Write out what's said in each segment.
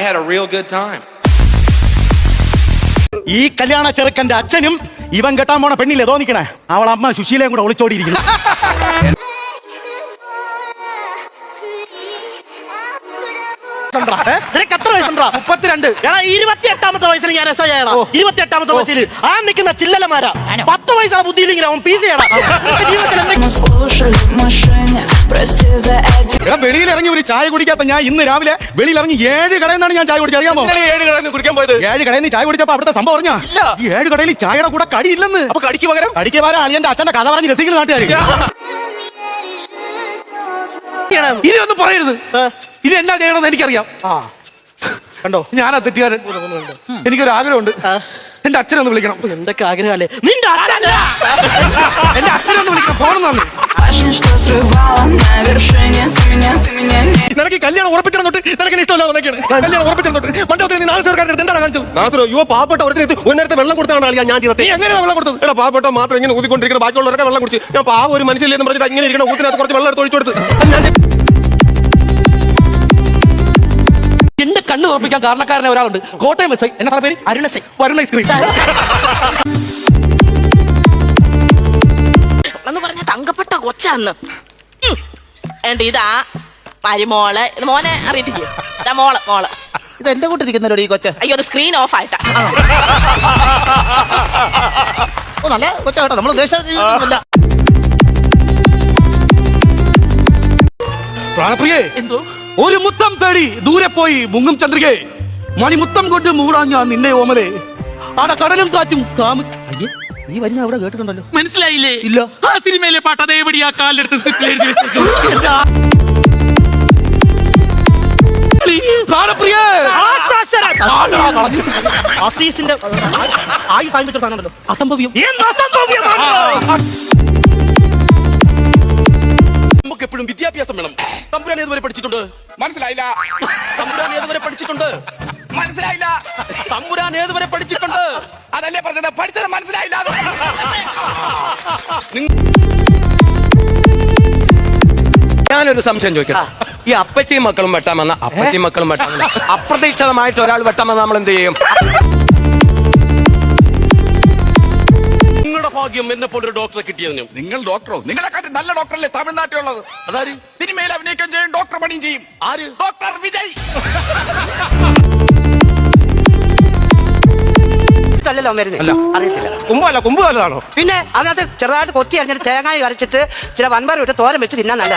had a real good time. ഈ കല്യാണ ചെറുക്കന്റെ അച്ഛനും ഇവൻ കെട്ടാൻ പോണ പെണ്ണില്ലേ തോന്നിക്കണേ അവളമ്മ സുശീലയും കൂടെ ഒളിച്ചോടിയിരിക്കുന്നു. നിനക്ക് എത്ര വയസ്സുണ്ടാ? 32. 28ാമത്തെ വയസ്സിൽ ഞാൻ എസ് ഐ ആയടാ. 28ാമത്തെ വയസ്സിൽ ആ നിൽക്കുന്ന ചില്ലലമാരാ 10 വയസ്സാണ് ബുദ്ധിയില്ലെങ്കിൽ അവൻ പീസ് ചെയ്യണം. വെളിയിൽ ഇറങ്ങി ഒരു ചായ കുടിക്കാത്ത ഞാൻ ഇന്ന് രാവിലെ വെളിയിൽ ഇറങ്ങി 7 കടയിൽ നിന്നാണ് ഞാൻ ചായ കുടിച്ചത്. അറിയാമോ? 7 കടയിൽ നിന്ന് കുടിക്കാൻ പോയത്? 7 കടയിൽ നിന്ന് ചായ കുടിച്ചപ്പോ അവിടുത്തെ സംഭവം പറഞ്ഞാ ഈ 7 കടയിൽ ചായയുടെ കൂടെ കടിയില്ലെന്ന്. അപ്പൊ കടിക്ക് പകരം അളിയന്റെ അച്ഛന്റെ കഥ പറഞ്ഞ് രസിക്കുന്ന നാട്ടുകാർ. ഇനി ഒന്നും പറയരുത്. ഇത് എന്നാ ചെയ്യണമെന്ന് എനിക്കറിയാം. കണ്ടോ, ഞാനാ തെറ്റുകാരൻ. എനിക്കൊരു ആഗ്രഹമുണ്ട്. എന്റെ അച്ഛനെ ഒന്ന് വിളിക്കണം. എന്തൊക്കെ ആഗ്രഹമല്ലേ നിന്റെ അച്ഛൻ? എന്റെ അച്ഛനെ ഒന്ന് വിളിക്കണം. ഫോണെന്നാണ്. നിനക്ക് കല്യാണം ഉറപ്പിച്ചിരുന്ന തൊട്ട് നിനക്ക് ഇഷ്ടമല്ല. കല്യാണം ഉറപ്പിച്ചിരുന്ന തൊട്ട് മണ്ഡപത്തിൽ നീ 4 സർക്കാർ എന്താണ് കാണിച്ചത്? പാവപ്പെട്ട ഒരു നേരത്തെ വെള്ളം കൊടുത്താണ് ഞാൻ ചെയ്തത്. എങ്ങനെ വെള്ളം കൊടുത്തത്? എടാ, പാവപ്പെട്ട മാത്രം ഇങ്ങനെ ഊതിക്കൊണ്ടിരിക്കണം, ബാക്കിയുള്ളവരൊക്കെ വെള്ളം കുടിച്ച്. ഞാൻ പാവ ഒരു മനുഷ്യല്ലെന്ന് പറഞ്ഞിട്ട് ഇങ്ങനെ ഇരിക്കണം. ഊത്തിനകത്ത് കുറച്ച് വെള്ളം എടുത്ത് ഒഴിച്ചു കൊടുത്ത് എന്റെ കണ്ണ് ഉറപ്പിക്കാൻ കാരണക്കാരനെ ഒരാളുണ്ട്. Kottayam S I. എന്നാ പേര്? അരുൺ ഐസ്ക്രീം എന്ന് പറഞ്ഞ തങ്കപ്പെട്ട കൊച്ചാന്ന്. ഇതാ മരുമോള്. ഇത് മോനെ അറിയിട്ടില്ലേ? ഇതാ മോള്. ഇത് എന്റെ കൂട്ടിരിക്കുന്നല്ലോ ഈ കൊച്ച. അയ്യോ, അത് സ്ക്രീൻ ഓഫ് ആയിട്ടാ. നല്ല കൊച്ച കേട്ടോ, നമ്മൾ ഉദ്ദേശിച്ചില്ല. പ്രാണപ്രിയേ, എന്തോ ഒരു മുത്തം തേടി ദൂരെ പോയി മുങ്ങും ചന്ദ്രികേ. മണിമുത്തം കൊണ്ട് മൂടാൻ ഞാൻ നിന്നെ ഓമലേ. ആടെ കടലും കാറ്റും അയ്യേ, നീ വരുന്ന അവിടെ കേട്ടിട്ടുണ്ടല്ലോ. മനസ്സിലായില്ലേ? ഇല്ല. ആ സിനിമയിലെ പാട്ട് അതേപടി ആ കാലിലെടുത്ത് സ്ക്രിപ്റ്റിൽ എഴുതി വെച്ചേക്കും. പ്രാണപ്രിയേ, അസീസിന്റെ ആയുസ് ആയിരത്തി സാധനമുണ്ടല്ലോ. അസംഭവ്യം. നമുക്ക് എപ്പോഴും വിദ്യാഭ്യാസം വേണം. തമ്പുരാൻ ഏതുവരെ പഠിച്ചിട്ടുണ്ട്? മനസ്സിലായില്ല. തമ്പുരാൻ ഏതുവരെ പഠിച്ചിട്ടുണ്ട്? മനസ്സിലായില്ല. തമ്പുരാൻ ഏതുവരെ പഠിച്ചിട്ടുണ്ട്? അതല്ലേ പറഞ്ഞത്, പഠിച്ചത് മനസ്സിലായില്ല. ഞാനൊരു സംശയം ചോദിക്കാം. ഈ അപ്പച്ചിയും മക്കളും വെട്ടാമെന്ന അപ്പച്ചിയും മക്കളും വെട്ടാമെന്ന അപ്രതീക്ഷിതമായിട്ട് ഒരാൾ വെട്ടാമെന്ന് നമ്മൾ എന്ത് ചെയ്യും? നിങ്ങളുടെ ഭാഗ്യം എന്നെ പോലൊരു ഡോക്ടറെ കിട്ടിയതിനും. നിങ്ങൾ ഡോക്ടറോ? നിങ്ങളെക്കാട്ടും നല്ല ഡോക്ടറല്ലേ തമിഴ്നാട്ടിലുള്ളത്? അതാര്? സിനിമയിൽ അഭിനയിക്കുകയും ചെയ്യും, ഡോക്ടർ പണിയും ചെയ്യും. ആര്? ഡോക്ടർ വിജയ്. അറിയത്തില്ല. കുമ്പ് നല്ലതാണോ? പിന്നെ അതിനകത്ത് ചെറുതായിട്ട് കൊത്തി അരിഞ്ഞിട്ട് തേങ്ങായി അരച്ചിട്ട് ചില വൻപയർ വിട്ട് തോരൻ വെച്ച് തിന്നാൻ നല്ല.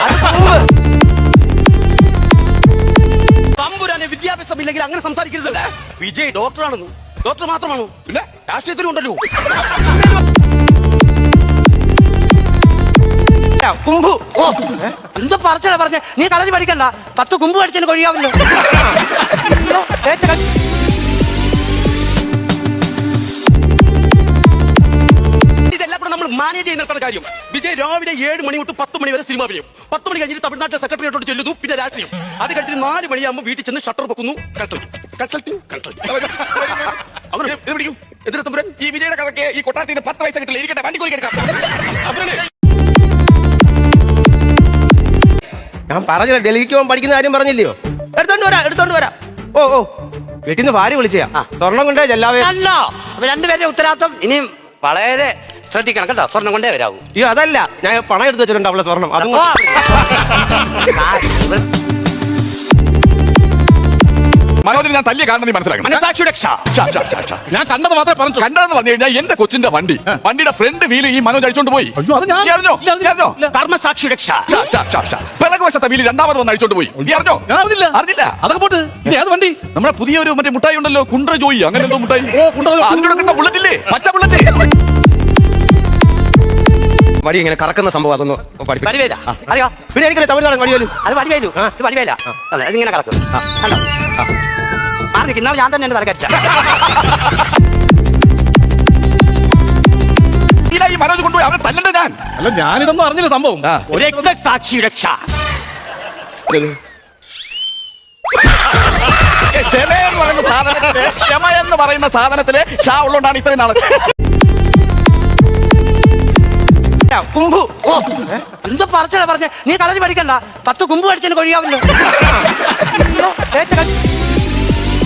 തമ്പുരാനെ വിദ്യാഭ്യാസം ഇല്ലെങ്കിൽ അങ്ങനെ സംസാരിക്കരുത്. വിജയ് ഡോക്ടറാണെന്ന്. ഡോക്ടർ മാത്രമാണോ? പിന്നെ രാഷ്ട്രീയത്തിലും ഉണ്ടല്ലോ. കുമ്പു. എന്തോ പറച്ചടാ പറഞ്ഞ. നീ കളരി പഠിക്കണ്ട. 10 കുമ്പ് പഠിച്ചതിന് കൊഴിയാവില്ലോ. ഇതെല്ലാം കൂടെ നമ്മൾ മാനേജ് ചെയ്യുന്ന കാര്യം. വിജയ് രാവിലെ 7 മണി തൊട്ട് 10 മണി വരെ സിനിമ അഭിനയം. 10 മണി കഴിഞ്ഞിട്ട് തമിഴ്നാട്ടിലെ സെക്രട്ടറിയോട് ചെല്ലുന്നു. പിന്നെ രാത്രിയും. അത് കഴിഞ്ഞിട്ട് 4 മണിയാകുമ്പോൾ വീട്ടിൽ ചെന്ന് ഷട്ടർ വെക്കുന്നു. ഈ വിജയുടെ കഥയ്ക്ക് ഈ കൊട്ടാരത്തിന് 10 പൈസ കിട്ടില്ല. ഇരിക്കട്ടെ, വണ്ടി കൂലി എടുക്കാം. ഞാൻ പറഞ്ഞില്ല, ഡൽഹിക്ക് പോകാൻ പഠിക്കുന്ന കാര്യം പറഞ്ഞില്ലയോ? എടുത്തോണ്ട് വരാം. ഓ വീട്ടിൽ നിന്ന് ഭാര്യ വിളിച്ചാ സ്വർണം കൊണ്ടേ ചെല്ലാവേ. അല്ല, അപ്പൊ രണ്ടുപേരുടെ ഉത്തരവാദിത്വം ഇനിയും വളരെ ശ്രദ്ധിക്കണം കേട്ടോ. സ്വർണം കൊണ്ടേ വരാവൂ. അയ്യോ, അതല്ല, ഞാൻ പണം എടുത്ത് വെച്ചിട്ടുണ്ട് അവളെ സ്വർണം. അതും മനോജിന് ഞാൻ തല്ലിയ കാരണം നീ മനസ്സിലാക്കണം. ഞാൻ കണ്ടത് മാത്രമേ പറഞ്ഞു. കണ്ടതെന്ന് പറഞ്ഞു കഴിഞ്ഞാൽ എന്റെ കൊച്ചിന്റെ വണ്ടിയുടെ ഫ്രണ്ട് വീല് ഈ മനോജ് അടിച്ചോണ്ട് പോയി. അത് അറിഞ്ഞോ? കർമ്മസാക്ഷി രക്ഷ. പിറകുവശത്തെ വീല് രണ്ടാമത് വന്ന് അടിച്ചോണ്ട് പോയി. അറിഞ്ഞോ? അറിഞ്ഞില്ല. അതൊക്കെ പോട്ട്. ഇത് ഏത് വണ്ടി? നമ്മുടെ പുതിയൊരു മറ്റേ മുട്ടായി ഉണ്ടല്ലോ, കുണ്ട്ര ജോയി, അങ്ങനെ എന്തോ മുട്ടായി. അതിനോട് ബുള്ളറ്റ് ഇല്ലേ, പച്ച ബുള്ളറ്റ്. വടി ഇങ്ങനെ കറക്കുന്ന സംഭവം അതൊന്ന് പഠിപ്പിക്കും. അറിയോ? പിന്നെ എനിക്കറിയാം തമിഴ്നാട് വടിവേലു. അത് വടിവേലു. വടിവേല. അതെ, അതിങ്ങനെ കറക്കും. കണ്ടോ? മാറി നിൽക്കുന്ന ഞാൻ തന്നെ എന്റെ തലക്കടിച്ച. ഈ മനോജ് കൊണ്ടുപോയി അവനെ തല്ലണ്ട ഞാൻ. അല്ല, ഞാനിതൊന്നും അറിഞ്ഞില്ല സംഭവം. സാക്ഷി രക്ഷ. ക്ഷമ എന്ന് പറയുന്ന സാധനത്തില് ഷാ ഉള്ളതുകൊണ്ടാണ് ഇത്രയും നാളെ. കുമ്പു. എന്തോ പറച്ചടാ പറഞ്ഞ. നീ കളരി പഠിക്കണ്ട. 10 കുമ്പ് പഠിച്ചതിന് കൊഴിയാവില്ലോ.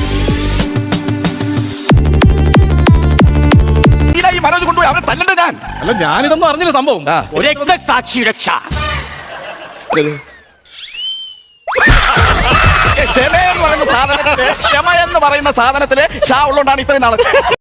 ഞാൻ അല്ല ഞാനിതൊന്നും അറിഞ്ഞില്ല സംഭവം. ആ. രക്തസാക്ഷിയുടെ ക്ഷ ക്ഷമ എന്ന് പറയുന്ന സാധനത്തില് ക്ഷമ എന്ന് പറയുന്ന സാധനത്തില് ഷാ ഉള്ളതുകൊണ്ടാണ് ഇത്രയും നാള്